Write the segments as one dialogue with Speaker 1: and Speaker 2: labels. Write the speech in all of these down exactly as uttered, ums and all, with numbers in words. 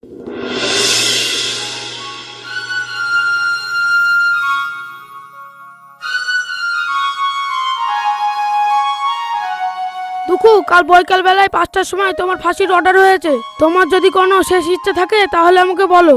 Speaker 1: দুঃখু, কাল বৈকাল বেলায় পাঁচটার সময় তোমার ফাঁসির অর্ডার হয়েছে। তোমার যদি কোনো শেষ ইচ্ছা থাকে তাহলে আমাকে বলো।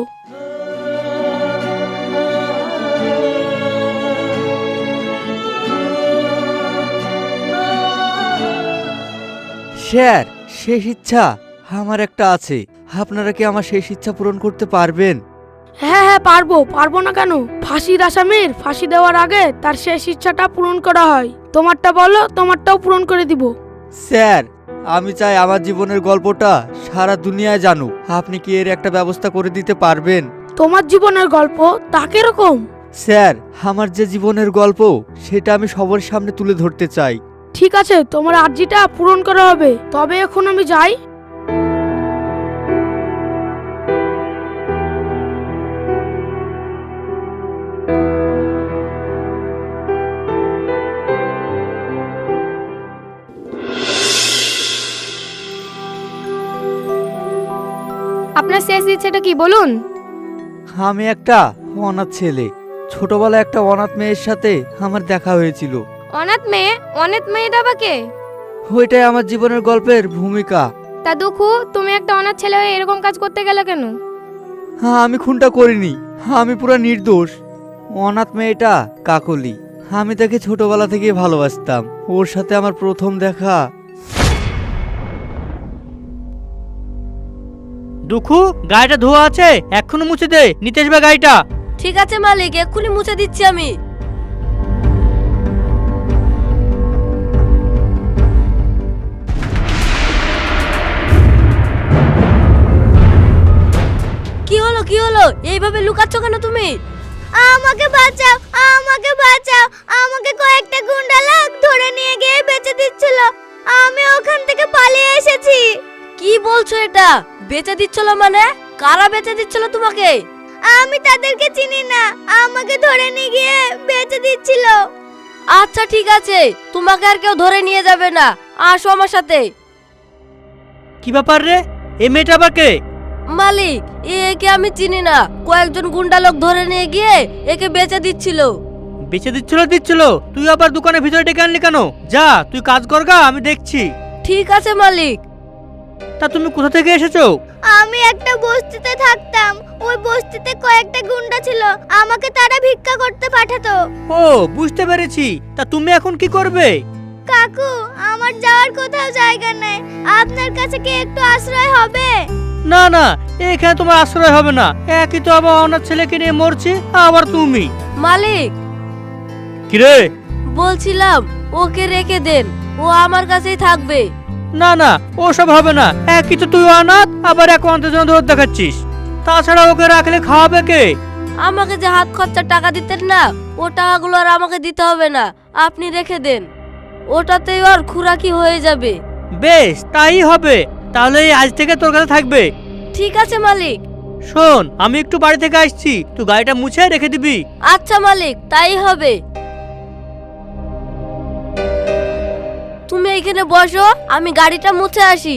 Speaker 2: স্যার, শেষ ইচ্ছা আমার একটা আছে। আপনারা কি আমার শেষ ইচ্ছা পূরণ করতে পারবেন?
Speaker 1: হ্যাঁ হ্যাঁ পারবো, পারবো না কেন? ফাঁসির আসামির ফাঁসি দেওয়ার আগে তার শেষ ইচ্ছাটা পূরণ করা হয়। তোমারটা বলো, তোমারটাও পূরণ করে দিব।
Speaker 2: স্যার, আমি চাই আমার জীবনের গল্পটা সারা দুনিয়ায় জানুক। আপনি কি এর একটা ব্যবস্থা করে দিতে পারবেন?
Speaker 1: তোমার জীবনের গল্প তা কিরকম?
Speaker 2: স্যার, আমার যে জীবনের গল্প সেটা আমি সবার সামনে তুলে ধরতে চাই।
Speaker 1: ঠিক আছে, তোমার আর্জিটা পূরণ করা হবে। তবে এখন আমি যাই।
Speaker 3: আপনার শেষ ইচ্ছেটা কি বলুন?
Speaker 2: আমি একটা অনাথ ছেলে। ছোটবেলায় একটা অনাথ মেয়ের সাথে আমার দেখা হয়েছিল।
Speaker 3: অনাথ মেয়ে? অনাথ মেয়েটা বা কে?
Speaker 2: ওইটাই আমার জীবনের গল্পের ভূমিকা।
Speaker 3: তা দুঃখু, তুমি একটা অনাথ ছেলে হয়ে এরকম কাজ করতে গেলে কেন?
Speaker 2: হ্যাঁ, আমি খুনটা করিনি। আমি পুরো নির্দোষ। অনাথ মেয়েটা কাকলি। আমি তাকে ছোটবেলা থেকে ভালোবাসতাম। ওর সাথে আমার প্রথম দেখা।
Speaker 4: দুঃখু, গাড়িটা ধোয়া আছে, এক্ষুনি মুছে দে। নিতে আসবে গাড়িটা।
Speaker 5: ঠিক আছে মালিক, এক্ষুনি মুছে দিচ্ছি আমি। কি হলো কি হলো, এইভাবে লুকাচ্ছ কেন তুমি?
Speaker 6: আমাকে বাঁচাও, আমাকে বাঁচাও। আমাকে কয়েকটা গুন্ডা লোক ধরে নিয়ে গিয়ে বেচে দিচ্ছিল। আমি ওখান থেকে পালিয়ে এসেছি।
Speaker 5: কি বলছো এটা? বেচে দিচ্ছিল মানে? কারা বেচে দিচ্ছিল তোমাকে?
Speaker 6: আমি তাদেরকে চিনি না, আমাকে ধরে নিয়ে গিয়ে বেচে দিচ্ছিল।
Speaker 5: আচ্ছা ঠিক আছে, তোমাকে আর কেউ ধরে নিয়ে যাবে না, আসো আমার সাথে।
Speaker 4: কি ব্যাপার রে, এই মেয়েটা আবার কে?
Speaker 5: মালিক, একে আমি চিনি না। কয়েকজন গুন্ডা লোক ধরে নিয়ে গিয়ে একে বেচে দিচ্ছিল।
Speaker 4: বেচে দিচ্ছিল দিচ্ছিল তুই আবার দোকানের ভিতরে ডেকে আনলি কেন? যা, তুই কাজ কর গা, আমি দেখছি।
Speaker 5: ঠিক আছে মালিক।
Speaker 4: তা তুমি কোথা থেকে এসেছো?
Speaker 6: আমি একটা বস্তিতে থাকতাম। ওই বস্তিতে কয়েকটা গুন্ডা ছিল, আমাকে তারা ভিক্ষা করতে পাঠাতো।
Speaker 4: ও, বুঝতে পেরেছি। তা তুমি এখন কি করবে?
Speaker 6: কাকু, আমার যাওয়ার কোথাও জায়গা নেই। আপনার কাছে কি একটু আশ্রয় হবে?
Speaker 4: না না, এখানে তোমার আশ্রয় হবে না। একই তো আবার অনাথ ছেলেকে নিয়ে মরছি, আবার তুমি।
Speaker 5: মালিক,
Speaker 4: কিরে?
Speaker 5: বলছিলাম ওকে রেখে দেন, ও আমার কাছেই থাকবে।
Speaker 4: না না, ওসব হবে না। একই তো তুই অনাথ, আবার এক অনাথের জন্য দৌড় দেখাচ্ছিস। তাছাড়া ওকে রাখলে খাওয়াবে কে?
Speaker 5: আমাকে যে হাত খরচার টাকা দিতেন না, ও টাকাগুলো আর আমাকে দিতে হবে না, আপনি রেখে দেন। ওটাতেই ওর খুরাকি হয়ে যাবে।
Speaker 4: বেশ, তাই হবে। তাহলে এই আজ থেকে তোর কাছে থাকবে।
Speaker 5: ঠিক আছে মালিক।
Speaker 4: শোন, আমি একটু বাড়ি থেকে আসছি, তুই গাড়িটা মুছে রেখে দিবি।
Speaker 5: আচ্ছা মালিক, তাই হবে। তুমি এইখানে বসো, আমি গাড়িটা মুছে আসি।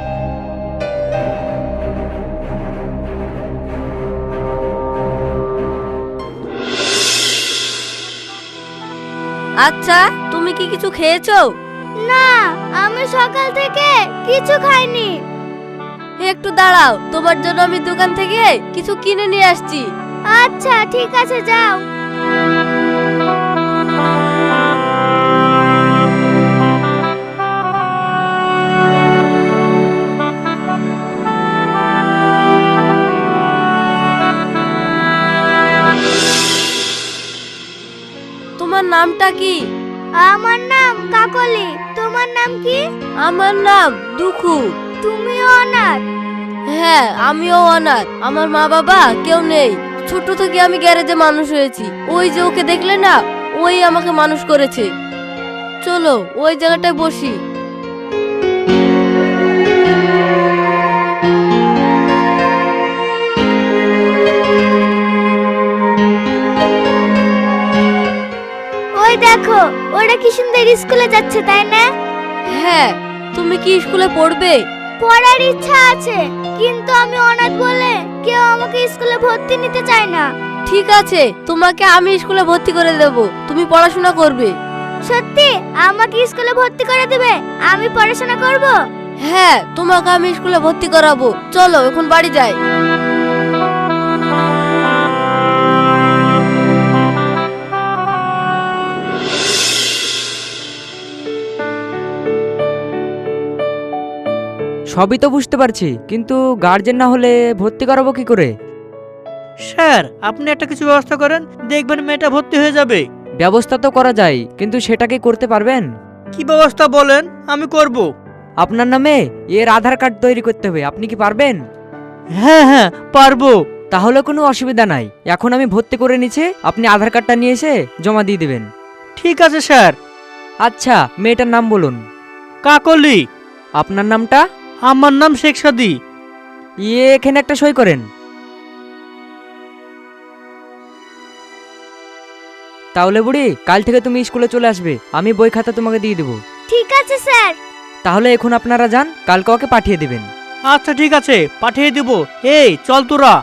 Speaker 5: আচ্ছা, তুমি কি কিছু খেয়েছো?
Speaker 6: না, আমি সকাল থেকে কিছু খাইনি।
Speaker 5: একটু দাঁড়াও, তোমার জন্য আমি দোকান থেকে কিছু কিনে নিয়ে আসছি।
Speaker 6: আচ্ছা ঠিক আছে, যাও।
Speaker 5: তোমার নামটা কি?
Speaker 6: আমার নাম কাকলি। তোমার নাম কি?
Speaker 5: আমার নাম দুঃখু।
Speaker 6: তুমিও অনাথ?
Speaker 5: হ্যাঁ, আমিও অনাথ। আমার মা বাবা কেউ নেই। ছোট থেকে আমি গ্যারেজে মানুষ হয়েছি। ওই যে ওকে দেখলে না, ওই আমাকে মানুষ করেছে। চলো ওই জায়গাটায় বসি।
Speaker 6: ওই দেখো, ওরা কি সুন্দর স্কুলে যাচ্ছে, তাই না?
Speaker 5: হ্যাঁ, তুমি কি স্কুলে পড়বে?
Speaker 6: পড়ার ইচ্ছা আছে, কিন্তু আমি অনাথ বলে আমাকে স্কুলে ভর্তি নিতে চায় না।
Speaker 5: ঠিক আছে, তোমাকে আমি স্কুলে ভর্তি করে দেব, তুমি পড়াশোনা করবে।
Speaker 6: সত্যি আমাকে স্কুলে ভর্তি করে দিবে? আমি পড়াশোনা করব।
Speaker 5: হ্যাঁ, তোমাকে আমি স্কুলে ভর্তি করাবো। চলো এখন বাড়ি যাই।
Speaker 7: সবই তো বুঝতে পারছি, কিন্তু গার্জেন না হলে ভর্তি করাবো কি করে?
Speaker 4: স্যার, আপনি একটা কিছু ব্যবস্থা করেন, দেখবেন মেয়েটা ভর্তি হয়ে যাবে।
Speaker 7: ব্যবস্থা তো করা যায়, কিন্তু সেটা কি করতে পারবেন?
Speaker 4: কি ব্যবস্থা বলেন, আমি করব।
Speaker 7: আপনার নামে এর আধার কার্ড তৈরি করতে হবে, আপনি কি পারবেন?
Speaker 4: হ্যাঁ হ্যাঁ পারবো।
Speaker 7: তাহলে কোনো অসুবিধা নাই, এখন আমি ভর্তি করে নিচ্ছি, আপনি আধার কার্ডটা নিয়ে এসে জমা দিয়ে দেবেন।
Speaker 4: ঠিক আছে স্যার।
Speaker 7: আচ্ছা, মেয়েটার নাম বলুন।
Speaker 4: কাকলি।
Speaker 7: আপনার নামটা?
Speaker 4: আমার নাম শেখ সাদি।
Speaker 7: ইয়ে, এখানে একটা সই করেন। তাহলে বুড়ি, কাল থেকে তুমি স্কুলে চলে আসবে, আমি বই খাতা তোমাকে দিয়ে দেবো।
Speaker 6: ঠিক আছে স্যার।
Speaker 7: তাহলে এখন আপনারা যান, কালকে ওকে পাঠিয়ে দেবেন।
Speaker 4: আচ্ছা ঠিক আছে, পাঠিয়ে দেব। এই চল তোরা।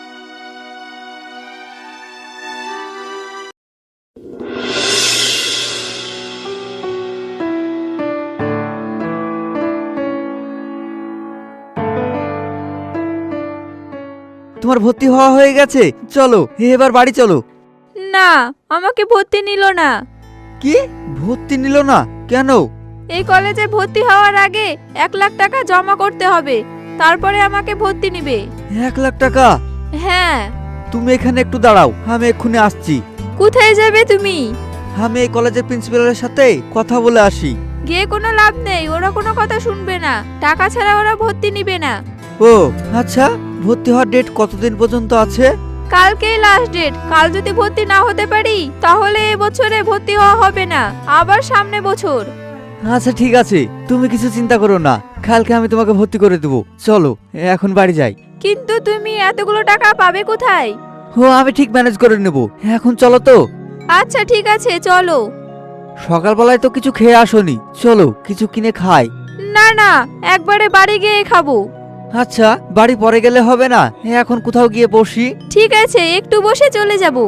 Speaker 2: তোমার ভর্তি হওয়া হয়ে গেছে, চলো এবার বাড়ি চলো।
Speaker 8: না, আমাকে ভর্তি নিল না।
Speaker 2: কি, ভর্তি নিল না কেন?
Speaker 8: এই কলেজে ভর্তি হওয়ার আগে এক লাখ টাকা জমা করতে হবে, তারপরে আমাকে ভর্তি নিবে।
Speaker 2: এক লাখ টাকা?
Speaker 8: হ্যাঁ।
Speaker 2: তুমি এখানে একটু দাঁড়াও, আমি এক্ষুনি আসছি।
Speaker 8: কোথায় যাবে তুমি?
Speaker 2: আমি এই কলেজের প্রিন্সিপালের সাথে কথা বলে আসি।
Speaker 8: গিয়ে কোনো লাভ নেই, ওরা কোনো কথা শুনবে না, টাকা ছাড়া ওরা ভর্তি নিবে না।
Speaker 2: ও আচ্ছা, ভর্তি হওয়ার ডেট কতদিন পর্যন্ত আছে?
Speaker 8: কালকেই লাস্ট ডেট, কাল যদি ভর্তি না হতে পারি তাহলে এ বছরে ভর্তি হওয়া হবে না, আবার সামনে বছর।
Speaker 2: আচ্ছা ঠিক আছে, তুমি কিছু চিন্তা করো না, কালকে আমি তোমাকে ভর্তি করে দেবো। চলো এখন বাড়ি যাই।
Speaker 8: কিন্তু তুমি এতগুলো টাকা পাবে কোথায়?
Speaker 2: ও আমি ঠিক ম্যানেজ করে নেব, এখন চলো তো।
Speaker 8: আচ্ছা ঠিক আছে, চলো।
Speaker 2: সকালবেলায় তো কিছু খেয়ে আসোনি, চলো কিছু কিনে খাই।
Speaker 8: না না, একবারে বাড়ি গিয়ে খাবো।
Speaker 2: আচ্ছা, বাড়ি পরে গেলে হবে না, এখন কোথাও গিয়ে বসি।
Speaker 8: ঠিক আছে, একটু বসে চলে যাব।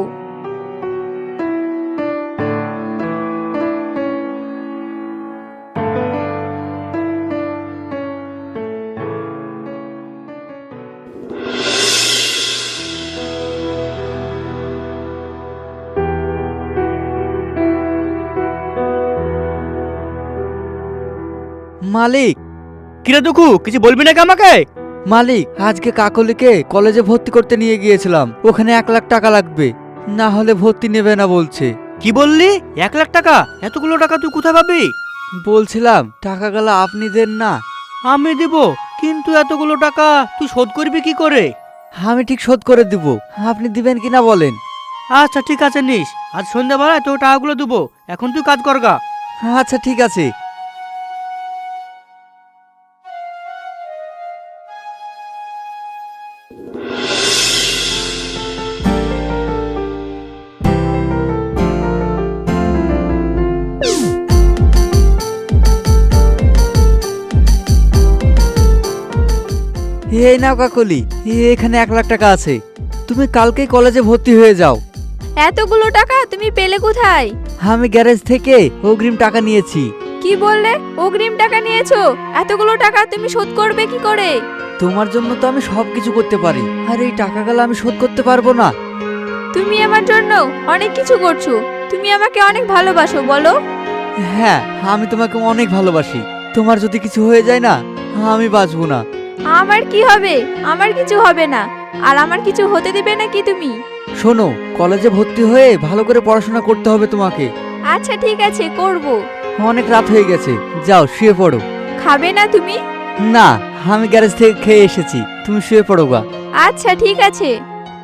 Speaker 2: মালিক।
Speaker 4: কিরে দুঃখু, কিছু বলবি নাকি আমাকে?
Speaker 2: মালিক, আজকে কাকলিকে কলেজে ভর্তি করতে নিয়ে গিয়েছিলাম, ওখানে এক লাখ টাকা লাগবে, না হলে ভর্তি নেবে না বলছে।
Speaker 4: কি বললি? এক লাখ টাকা? এতগুলো টাকা তুই কোথায় পাবি?
Speaker 2: বলছিলাম টাকাগুলো আপনি দেন না।
Speaker 4: আমি দিব, কিন্তু এতগুলো টাকা তুই শোধ করবি কি করে?
Speaker 2: আমি ঠিক শোধ করে দিব, আপনি দিবেন কিনা বলেন।
Speaker 4: আচ্ছা ঠিক আছে, নিস, আজ সন্ধ্যাবেলায় তোর টাকাগুলো দেবো, এখন তুই কাজ করগা।
Speaker 2: আচ্ছা ঠিক আছে। এই নাও কাকলি, এখানে এক লাখ টাকা আছে, তুমি কালকেই কলেজে ভর্তি হয়ে যাও।
Speaker 8: এতগুলো টাকা তুমি পেলে কোথায়?
Speaker 2: আমি গ্যারেজ থেকে অগ্রিম টাকা নিয়েছি।
Speaker 8: কি বললে? অগ্রিম টাকা নিয়েছো? এতগুলো টাকা তুমি শোধ করবে কি করে?
Speaker 2: তোমার জন্য তো আমি সব কিছু করতে পারি, আর এই টাকাগুলো আমি শোধ করতে পারবো না।
Speaker 8: তুমি আমার জন্য অনেক কিছু করছো, তুমি আমাকে অনেক ভালোবাসো, বলো?
Speaker 2: হ্যাঁ, আমি তোমাকে অনেক ভালোবাসি, তোমার যদি কিছু হয়ে যায় না, আমি বাঁচবো না।
Speaker 8: আমার কি হবে? আমার কিছু হবে না, আর আমার কিছু হতে দেবে না কি তুমি?
Speaker 2: শোনো, কলেজে ভর্তি হয়ে ভালো করে পড়াশোনা করতে হবে তোমাকে।
Speaker 8: আচ্ছা ঠিক আছে, করব।
Speaker 2: অনেক রাত হয়ে গেছে, যাও শুয়ে পড়ো।
Speaker 8: খাবে না তুমি?
Speaker 2: না, আমি গ্যারেজ থেকে খেয়ে এসেছি, তুমি শুয়ে পড়ো গা।
Speaker 8: আচ্ছা ঠিক আছে।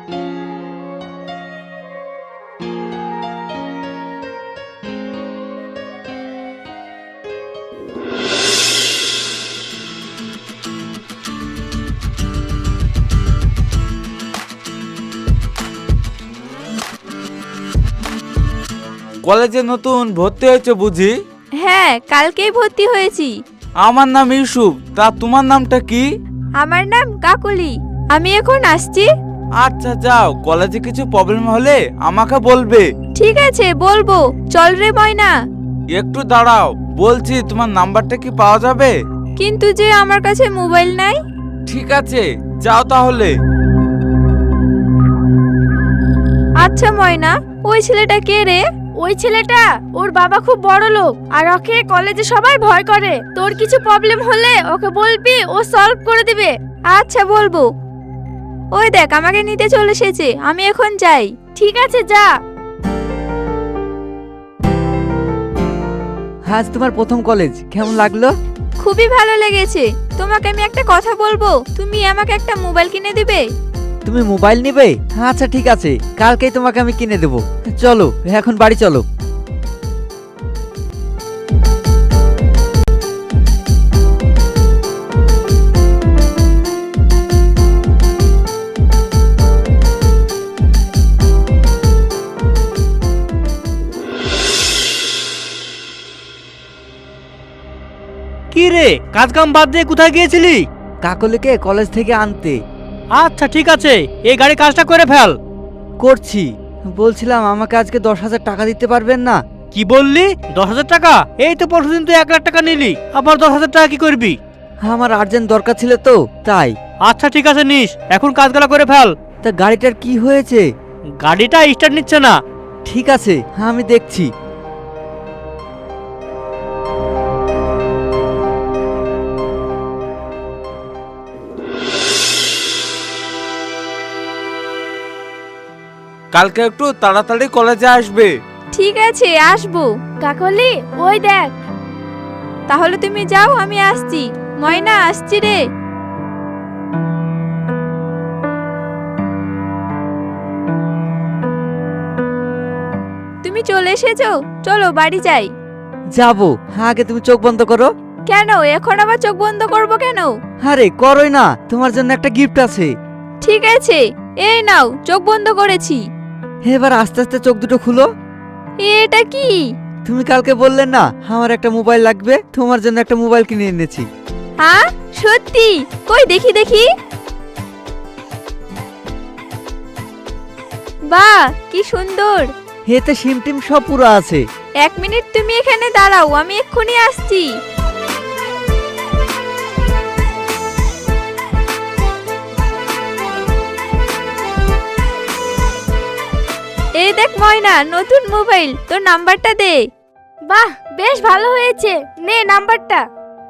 Speaker 9: কলেজে নতুন ভর্তি হয়েছে বুঝি?
Speaker 8: হ্যাঁ, কালকেই ভর্তি হয়েছি।
Speaker 9: আমার নাম ইউসুফ, তা তোমার নামটা কি?
Speaker 8: আমার নাম কাকলি। আমি এখন আসছি।
Speaker 9: আচ্ছা যাও, কলেজে কিছু প্রবলেম হলে আমাকে বলবে।
Speaker 8: ঠিক আছে বলবো, চল রে ময়না।
Speaker 9: একটু দাঁড়াও, বলছি তোমার নাম্বারটা কি পাওয়া যাবে?
Speaker 8: কিন্তু যে আমার কাছে মোবাইল নাই।
Speaker 9: ঠিক আছে, যাও তাহলে।
Speaker 8: আচ্ছা ময়না, ওই ছেলেটা কে রে?
Speaker 3: ওই ছেলেটা, ওর বাবা খুব বড় লোক আর ওকে কলেজে সবাই ভয় করে। তোর কিছু প্রবলেম হলে ওকে বলবি, ও সলভ করে দিবে।
Speaker 8: আচ্ছা বলবো। ওই দেখ আমাকে নিতে চলে এসেছে, আমি এখন যাই।
Speaker 3: ঠিক আছে যা।
Speaker 2: আজ তোমার প্রথম কলেজ, কেমন লাগলো?
Speaker 8: খুবই ভালো লেগেছে। তোমাকে আমি একটা কথা বলবো, তুমি আমাকে একটা মোবাইল কিনে দিবে?
Speaker 2: তুমি মোবাইল নেবে? আচ্ছা ঠিক আছে, কালকেই তোমাকে আমি কিনে দেবো। চলো এখন বাড়ি চলো।
Speaker 4: কি রে, কাজ কাম বাদ দিয়ে কোথায় গিয়েছিলি?
Speaker 2: কাকলিকে কলেজ থেকে আনতে।
Speaker 4: আচ্ছা ঠিক আছে, এই গাড়ি কাজটা করে ফেল।
Speaker 2: করছি। বলছিলাম আমাকে আজকে দশ হাজার টাকা দিতে পারবেন না?
Speaker 4: কি বললি? দশ হাজার টাকা? এই তো পরশুদিন তুই এক লাখ টাকা নিলি, আবার দশ হাজার টাকা কি করবি?
Speaker 2: আমার আর্জেন্ট দরকার ছিল তো তাই।
Speaker 4: আচ্ছা ঠিক আছে নিস, এখন কাজগুলো করে ফেল।
Speaker 2: তা গাড়িটার কি হয়েছে?
Speaker 4: গাড়িটা স্টার্ট নিচ্ছে না।
Speaker 2: ঠিক আছে আমি দেখছি।
Speaker 9: কালকে একটু তাড়াতাড়ি কলেজে আসবে।
Speaker 8: ঠিক আছে আসবো।
Speaker 3: কাকলি, ওই দেখ।
Speaker 8: তাহলে তুমি যাও, আমি আসছি। ময়না আসছি রে। তুমি চলে এসেছো, চলো বাড়ি যাই।
Speaker 2: যাবো, আগে তুমি চোখ বন্ধ করো।
Speaker 8: কেন এখন আবার চোখ বন্ধ করব কেন?
Speaker 2: আরে করোই না, তোমার জন্য একটা গিফট আছে।
Speaker 8: ঠিক আছে, এই নাও, চোখ বন্ধ করেছি।
Speaker 2: এবার আস্তে আস্তে চোখ দুটো খুলো।
Speaker 8: এটা কি?
Speaker 2: তুমি কালকে বললে না আমার একটা মোবাইল লাগবে, তোমার জন্য একটা মোবাইল কিনে এনেছি।
Speaker 8: হ্যাঁ সত্যি? কই দেখি দেখি। বাহ কি সুন্দর।
Speaker 2: এতে সিম টিম সব পুরো আছে।
Speaker 8: এক মিনিট তুমি এখানে দাঁড়াও, আমি এক্ষুনি আসছি। এই দেখ ময়না, নতুন মোবাইল, তোর নাম্বারটা দে।
Speaker 3: বাহ, বেশ ভালো হয়েছে, নে নাম্বারটা।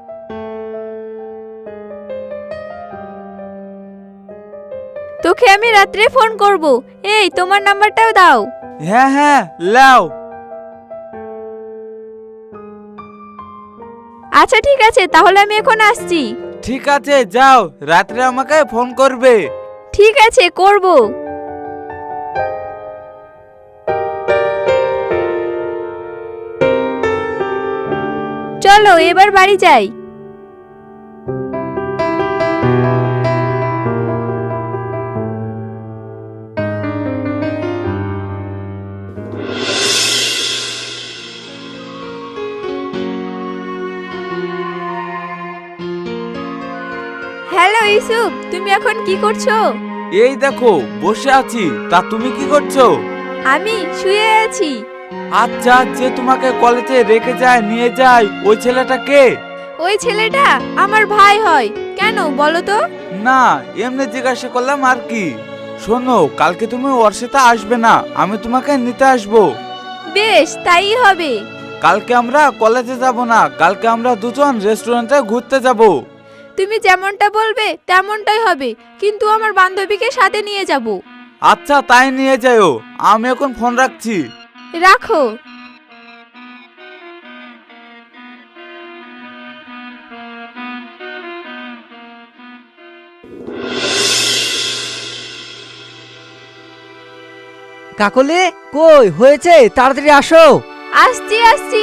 Speaker 8: তোকে আমি রাত্রে ফোন করব। এই তোমার নাম্বারটাও দাও।
Speaker 9: হ্যাঁ হ্যাঁ লাও।
Speaker 8: আচ্ছা ঠিক আছে, তাহলে আমি এখন আসছি।
Speaker 9: ঠিক আছে যাও, রাত্রে আমাকে ফোন করবে।
Speaker 8: ঠিক আছে করব। চলো এবার বাড়ি যাই। হ্যালো ইউসুফ, তুমি এখন কি করছো?
Speaker 9: এই দেখো বসে আছি, তা তুমি কি করছো?
Speaker 8: আমি শুয়ে আছি।
Speaker 9: আচ্ছা, যে তোমাকে কলেজে রেখে যায় নিয়ে যায় ওই ছেলেটা কে?
Speaker 8: ওই ছেলেটা আমার ভাই হয়। কেন বলো তো?
Speaker 9: না, এমনি জিজ্ঞাসা করলাম আর কি। শোনো, কালকে তুমি ওর সাথে আসবে না, আমি তোমাকে নিতে আসবো।
Speaker 8: বেশ তাই হবে।
Speaker 9: কালকে আমরা কলেজে যাব না, কালকে আমরা দুজন রেস্টুরেন্টে ঘুরতে যাব।
Speaker 8: তুমি যেমনটা বলবে তেমনটাই হবে, কিন্তু আমার বান্ধবীকে সাথে নিয়ে যাব।
Speaker 9: আচ্ছা তাই নিয়ে যাও, আমি এখন ফোন রাখছি।
Speaker 8: রাখো।
Speaker 2: কাকলি কই হয়েছে, তাড়াতাড়ি আসো।
Speaker 8: আসছি আসছি।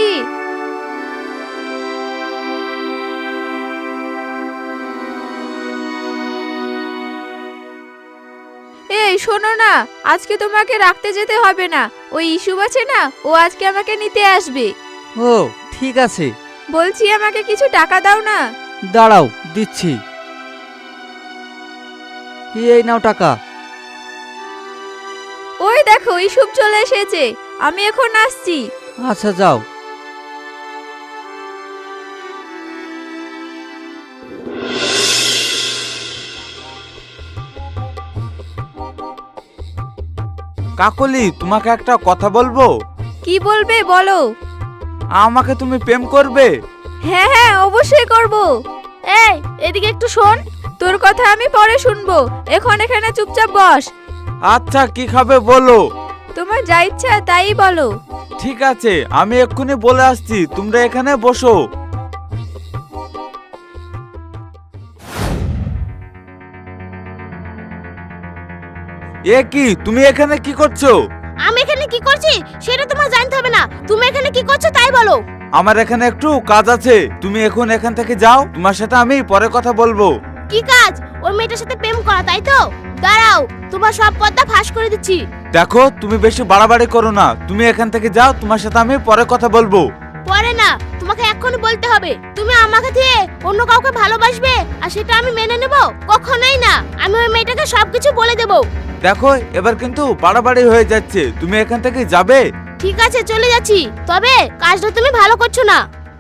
Speaker 8: এই শোনো না, আজকে তোমাকে রাখতে যেতে হবে না। ওই ইস্যু আছে না, ও আজকে আমাকে নিতে আসবে।
Speaker 2: ও ঠিক আছে।
Speaker 8: বলছি আমাকে কিছু টাকা দাও না।
Speaker 2: দাঁড়াও দিচ্ছি। এই নাও টাকা।
Speaker 8: দেখো ইসুপ চলে এসেছে, আমি এখন আসছি।
Speaker 2: আচ্ছা যাও।
Speaker 9: কাকলি, তোমাকে একটা কথা বলবো।
Speaker 8: কি বলবে বলো।
Speaker 9: আমাকে তুমি প্রেম করবে?
Speaker 8: হ্যাঁ হ্যাঁ অবশ্যই করব।
Speaker 3: এই এদিকে একটু শোন।
Speaker 8: তোর কথা আমি পরে শুনবো, এখন এখানে চুপচাপ বস।
Speaker 9: আচ্ছা, কি খাবে বলো।
Speaker 8: তোমার যা ইচ্ছা তাই বলো।
Speaker 9: ঠিক আছে, আমি এক্ষুনি বলে আসছি, তোমরা এখানে বসো। এ কি, তুমি এখানে কি করছো?
Speaker 6: আমি এখানে কি করছি সেটা তোমার জানতে হবে না, তুমি এখানে কি করছো তাই বলো।
Speaker 9: আমার এখানে একটু কাজ আছে, তুমি এখন এখান থেকে যাও, তোমার সাথে আমি পরে কথা বলবো।
Speaker 6: কি কাজ? ওই মেয়েটার সাথে প্রেম করা, তাই তো? দাঁড়াও, তোমার সব পর্দা ফাঁস করে দিচ্ছি।
Speaker 9: দেখো, তুমি বেশি বাড়াবাড়ি করো না, তুমি এখান থেকে যাও, তোমার সাথে আমি পরে কথা বলবো।
Speaker 6: পরে না, তোমাকে এক্ষুনি বলতে হবে। তুমি আমাকে দিয়ে অন্য কাউকে ভালোবাসবে আর সেটা আমি মেনে নেব? কখনোই না। আমি ওই মেয়েটাকে সবকিছু বলে দেব।
Speaker 9: দেখো, এবার কিন্তু বাড়াবাড়ি হয়ে যাচ্ছে, তুমি এখান থেকে যাবে।
Speaker 6: ঠিক আছে, চলে যাচ্ছি, তবে কাজটা তুমি ভালো করছো না।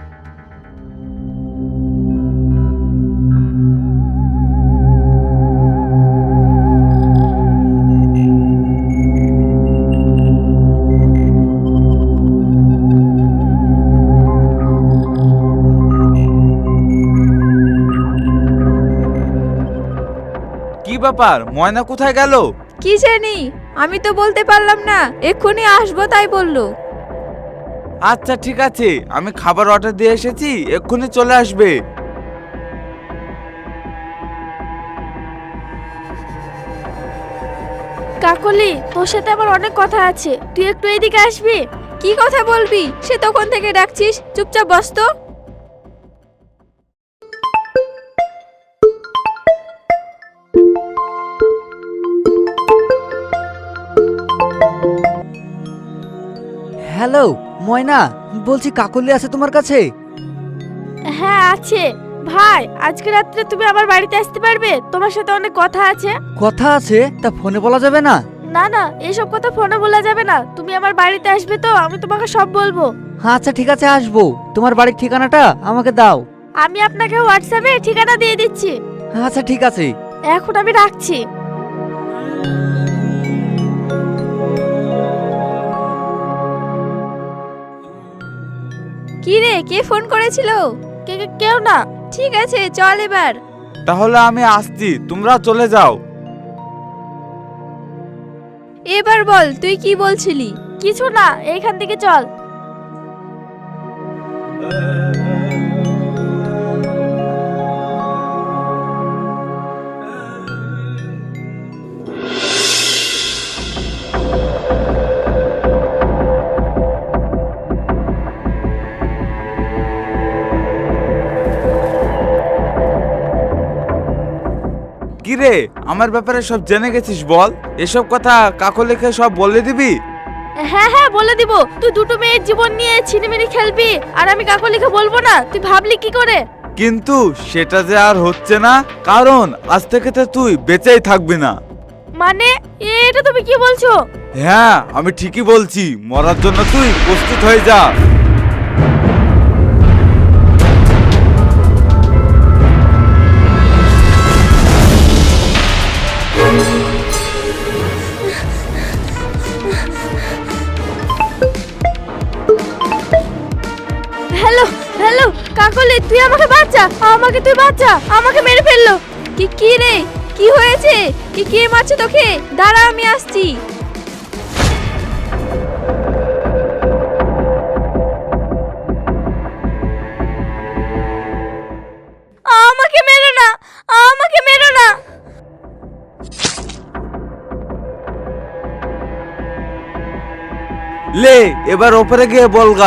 Speaker 9: কি ব্যাপার, ময়না কোথায় গেল?
Speaker 8: কি জানি, আমি তো বলতে পারলাম না, এক্ষুনি আসবো তাই বললো।
Speaker 9: আচ্ছা ঠিক আছে, আমি খাবার অর্ডার দিয়ে এসেছি, এক্ষুনি চলে আসবে।
Speaker 3: কাকলি, তোর সাথে আমার অনেক কথা আছে, তুই একটু এদিকে আসবি?
Speaker 8: কি কথা বলবি? সে তখন থেকে ডাকছিস, চুপচাপ বস তো।
Speaker 2: হ্যালো ময়না, বলছি কাকলি আছে তোমার কাছে?
Speaker 3: হ্যাঁ আছে। ভাই, আজকে রাত্রে তুমি আমার বাড়িতে আসতে পারবে? তোমার সাথে অনেক কথা আছে।
Speaker 2: কথা আছে? তা ফোনে বলা যাবে না?
Speaker 3: না না, এসব কথা ফোনে বলা যাবে না। তুমি আমার বাড়িতে আসবে তো, আমি তোমাকে সব বলবো।
Speaker 2: আচ্ছা ঠিক আছে, আসবো। তোমার বাড়ির ঠিকানাটা আমাকে দাও।
Speaker 3: আমি আপনাকে হোয়াটসঅ্যাপে ঠিকানা দিয়ে দিচ্ছি।
Speaker 2: আচ্ছা ঠিক আছে।
Speaker 3: এখন আমি রাখছি।
Speaker 8: কি রে, কে ফোন করেছিল?
Speaker 3: কে কে- কেউ না।
Speaker 8: ঠিক আছে, চল এবার।
Speaker 9: তাহলে আমি আসছি, তোমরা চলে যাও।
Speaker 8: এবার বল, তুই কি বলছিলি?
Speaker 3: কিছু না, এইখান থেকে চল।
Speaker 9: কিরে, আমার ব্যাপারে সব জেনে গেছিস বল? এসব কথা কাকলিকে সব বলে দিবি?
Speaker 3: হ্যাঁ হ্যাঁ বলে দিব। তুই দুটো মেয়ের জীবন নিয়ে ছিনিমিনি খেলবি আর আমি কাকলিকে বলবো না? তুই ভাবলি কি করে?
Speaker 9: কিন্তু সেটা যে আর হচ্ছে না, কারণ আজ থেকে তো তুই বেঁচেই থাকবি না।
Speaker 3: মানে এটা তুমি কি বলছো?
Speaker 9: হ্যাঁ, আমি ঠিকই বলছি, মরার জন্য তুই প্রস্তুত হয়ে যা।
Speaker 3: হ্যালো হ্যালো, কাকলি তুই আমাকে বাঁচা, আমাকে তুই বাঁচা, আমাকে মেরে ফেললো।
Speaker 8: কি কি রে, কি হয়েছে? কি কে মারছে তোকে? দাঁড়া, আমি আসছি।
Speaker 3: আমাকে মেরো না, আমাকে মেরো না।
Speaker 9: লে, এবার ওপরে গিয়ে বলগা।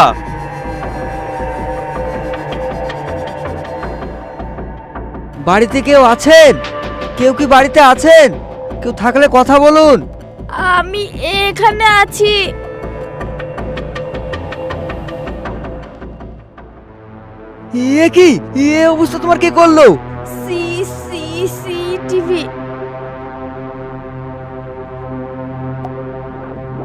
Speaker 2: বাড়িতে কেউ আছেন? কেউ কি বাড়িতে আছেন? কেউ থাকলে কথা বলুন।
Speaker 3: আমি এখানে আছি।
Speaker 2: এ কি, এ অবস্থা তোমার কে করলো?
Speaker 3: C C C TV.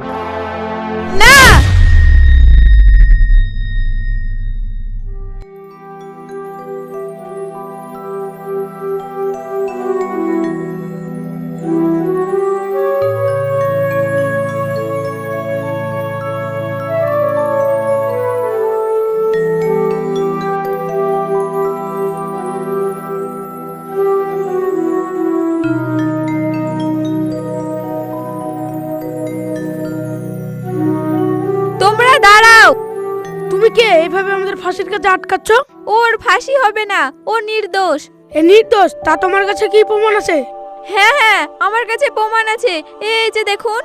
Speaker 1: কে এইভাবে আমাদের ফাঁসির কাছে আটকাচ্ছ?
Speaker 8: ওর ফাঁসি হবে না, ও নির্দোষ।
Speaker 1: এ নির্দোষ, তা তোমার কাছে কি প্রমাণ আছে?
Speaker 8: হ্যাঁ হ্যাঁ, আমার কাছে প্রমাণ আছে, এই যে দেখুন।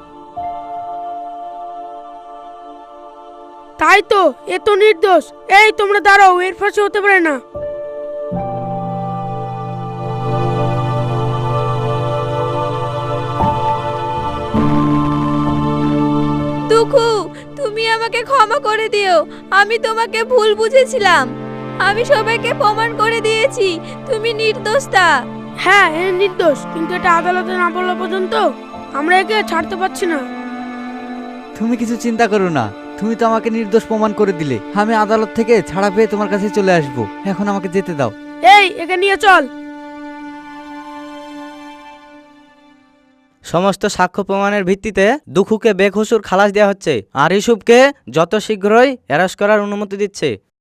Speaker 1: তাই তো, এ তো নির্দোষ। এই তোমরা দাঁড়াও, এর ফাঁসি হতে পারে না।
Speaker 8: দুখু, তুমি আমাকে ক্ষমা করে দিও, আমি তোমাকে ভুল বুঝেছিলাম। আমি সবাইকে প্রমাণ করে দিয়েছি তুমি নির্দোষটা।
Speaker 1: হ্যাঁ, এ নির্দোষ, কিন্তু এটা আদালতে না বলা পর্যন্ত আমরা একে ছাড়তে পারছি না।
Speaker 2: তুমি কিছু চিন্তা করো না, তুমি তো আমাকে নির্দোষ প্রমাণ করে দিলে। আমি আদালত থেকে ছাড়া পেয়ে তোমার কাছে চলে আসবো। এখন আমাকে যেতে দাও।
Speaker 1: এই, একে নিয়ে চল।
Speaker 10: সমস্ত সাক্ষ্য প্রমাণের ভিত্তিতে দুখুকে বেকসুর খালাস দেওয়া হচ্ছে আর ইউসুফকে যত শীঘ্রই অ্যারেস্ট করার অনুমতি দিচ্ছে।